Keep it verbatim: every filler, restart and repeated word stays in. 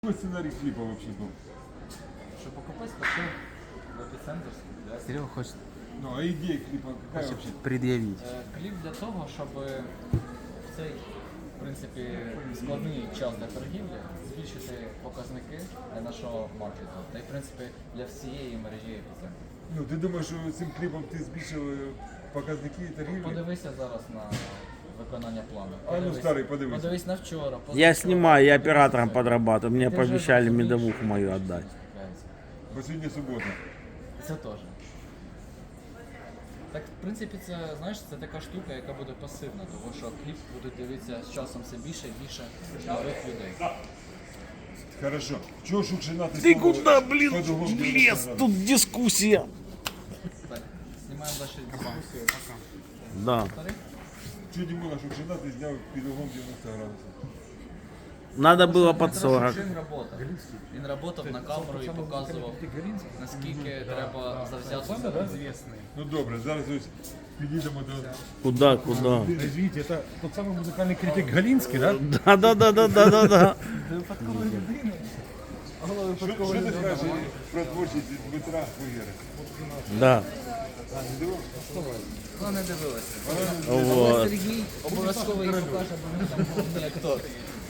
Какой сценарий клипа вообще был? Щоб покупець пішов в епіцентр. для- Серега хочет, Ну, а идея клипа какая хочет вообще? предъявить. Е, Кліп для того, щоб в цей, в принципі, складний час для торгівлі збільшити показники нашого маркету. Та й, в принципі, для всієї мережі епіцентру. Ну, ти думаєш, що цим кліпом ти збільшив е, показники торгівлі? Подивися зараз на виконання плану. А ну, старий, подивись. Подивись на вчора. Я позавчора. снимаю, я Подивись оператором на- подрабатываю. Мне Ти вже пообещали розумієш, медовуху що мою це отдать. трапляється. Бо сьогодні субота. Це теж. Так, в принципі, це, знаєш, це така штука, яка буде пасивна, тому що кліп будуть дивитися з часом все більше і більше нових людей. Хорошо. Чого Шукшина ти Ты снова куда, блин, под углом лез? девяносто градусов? Тут дискуссия. Так, знімаємо далі дискусію. Да. Старий? Чого Дімона Шукшина ти зняв під углом девяносто градусів? Надо было под Дмитро сорок. Шукшин работав. Він працював на камеру і показував, наскільки треба завзятися. Ну добре, зараз ось підійдемо до... Куда, куда? Извините, это тот самый музыкальный критик Галинский, да? Да, да, да, да, да, да, да. Що, що ти скажеш про творчість Дмитра Хуєра? Да. Вона не дивилася. Вот. Сергій обов'язково їй покаже, бо він там головний актор.